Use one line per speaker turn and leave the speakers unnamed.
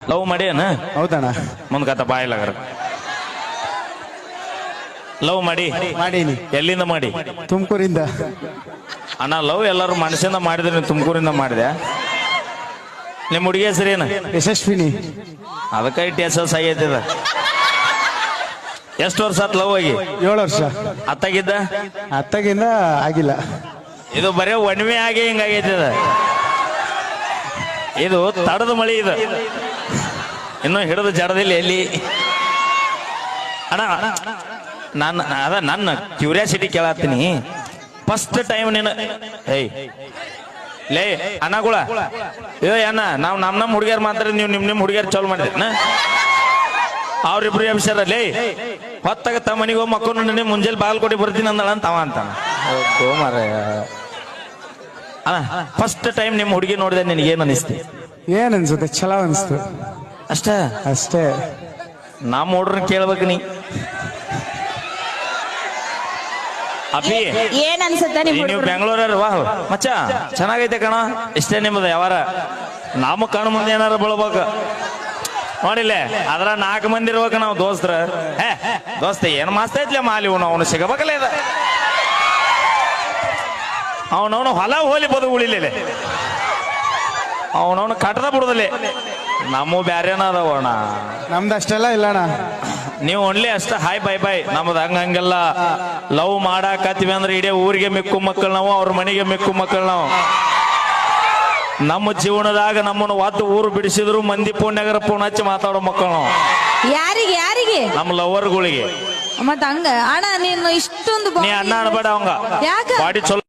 Love ಮಾಡ್ಯಾನ
ಹೌದಣ್ಣ
ಮುಂದ್ಕತ್ತ ಬಾಯಿಲಾಗರ love
ಮಾಡೀನಿ.
ಎಲ್ಲಿಂದ ಮಾಡಿ?
ತುಮಕೂರಿಂದ.
ಅಣ್ಣ ಲವ್ ಎಲ್ಲರೂ ಮನಸ್ಸಿಂದ ಮಾಡಿದ್ರೆ ನೀವು ತುಮಕೂರಿಂದ ಮಾಡಿದೆ. ನಿಮ್ಮ ಹುಡುಗಿ ಹೆಸರೇನು?
ಯಶಸ್ವಿನಿ.
ಅದಕ್ಕೆ ಇಟ್ಟು ಎಸ್ ಆಗೈತಿದ. ಎಷ್ಟು ವರ್ಷ ಆತ್ ಲವ್ ಆಗಿ?
7 ವರ್ಷ.
ಅತ್ತಾಗಿದ್ದ?
ಅತ್ತಗಿಂದ ಆಗಿಲ್ಲ.
ಇದು ಬರೇ ಒಣ್ಮೆ ಆಗಿ ಹಿಂಗಾಗೈತಿದ. ಇದು ತಡದ ಮಳಿ ಇದು, ಇನ್ನು ಹಿಡಿದು ಜಡದಿಲ್ಲ ಎಲ್ಲಿ. ಅಣ್ಣ ನನ್ನ ಕ್ಯೂರಿಯಾಸಿಟಿ ಕೇಳತ್ತೀನಿ. ಫಸ್ಟ್ ಟೈಮ್ ನೀನು ಏಯ್ ಲೇ ಅನ್ನಗಳ ಅಣ್ಣ ನಾವು ನಮ್ಮ ಹುಡುಗಿಯರ್ ಮಾತ್ರ ನೀವು ನಿಮ್ಮ ಹುಡುಗಿಯರ್ ಚಾಲು ಮಾಡಿದ್ರಿ ಅವ್ರಿಬ್ರು ಅಭಿಷಾರ ಲೇ ಹೊತ್ತಾಗ ತಮ್ಮ ಮನೆಗೆ ಹೋಗಿ ಮಕ್ಕಳು ಮುಂಜಾನೆ ಬಾಲ್ ಕೊಟ್ಟು ಬರ್ತೀನಿ ಅಂದಳ ಅಂತಾವ ಅಂತಾನ. ಅಣ್ಣ ಫಸ್ಟ್ ಟೈಮ್ ನಿಮ್ಮ ಹುಡುಗಿ ನೋಡಿದೆ ನಿನಗೆ ಏನ್ ಅನಿಸ್ತಿ?
ಏನ್ ಅನ್ಸುತ್ತೆ? ಚಲೋ ಅನ್ಸ್ತು
ಅಷ್ಟೇ. ನಮ್ಮ ಹುಡ್ರನ್ನ ಕೇಳ್ಬೇಕು ನೀ. ಅಪ್ಪಿ
ಏನ್ ಅನ್ಸುತ್ತೆ
ನೀವು ಬೆಂಗಳೂರ ವಾಹ್ ಮಚ್ಚ ಚೆನ್ನಾಗೈತೆ ಕಣ, ಇಷ್ಟೇ ನಿಮ್ಮದು ಯಾವಾರ. ನಮ್ಮ ಕಣ್ಣು ಮುಂದೆ ಏನಾರ ಬೀಳ್ಬೇಕು ನೋಡಿಲ್ಲೇ, ಅದ್ರ 4 ಮಂದಿ ಇರ್ಬೇಕು ನಾವು ದೋಸ್ತ್ರ. ದೋಸ್ತ ಏನ್ ಮಾಸ್ತ ಐತ್ಲೆ ಮಾಲಿ ಅವನು ಸಿಗಬೇಕಲ್ಲ ಇದ. ಅವನವನು ಹೊಲ ಹೋಲಿ ಬದು ಉಳಿಲಿಲ್ಲ, ಅವನವನು ಕಟ್ಟದ ಬಿಡುದಲ್ಲೇ. ನಮ್ಮ ಬ್ಯಾರೇನ ಅದಾವಣ,
ನಮ್ದು ಅಷ್ಟೆಲ್ಲ ಇಲ್ಲಣ್ಣ.
ನೀವು ಓನ್ಲಿ ಅಷ್ಟ ಹಾಯ್ ಬೈ ಬೈ. ನಮ್ದು ಹಂಗಂಗೆಲ್ಲ ಲವ್ ಮಾಡಾಕತ್ತೀವಿ ಅಂದ್ರೆ ಇಡೀ ಊರಿಗೆ ಮಿಕ್ಕು ಮಕ್ಕಳು ನಾವು, ಅವ್ರ ಮನೆಗೆ ಮಿಕ್ಕು ಮಕ್ಕಳು ನಾವು. ನಮ್ಮ ಜೀವನದಾಗ ನಮ್ಮನ್ನು ಒತ್ತು ಊರು ಬಿಡಿಸಿದ್ರು ಮಂದಿ ಪುಣ್ಯಗರ ಪುಣ್ಯ ಹಚ್ಚಿ ಮಾತಾಡೋ ಮಕ್ಕಳು ನಾವು.
ಯಾರಿಗೆ
ನಮ್ಮ ಲವರ್ಗಳಿಗೆ.
ಮತ್ತ ಹಂಗ ಅಣ್ಣ ನೀನು ಇಷ್ಟೊಂದು
ನೀ ಅಣ್ಣ ಅನ್ಬೇಡ ಅವಂಗ,
ಯಾಕ
ಬಾಡಿ ಚಲೋ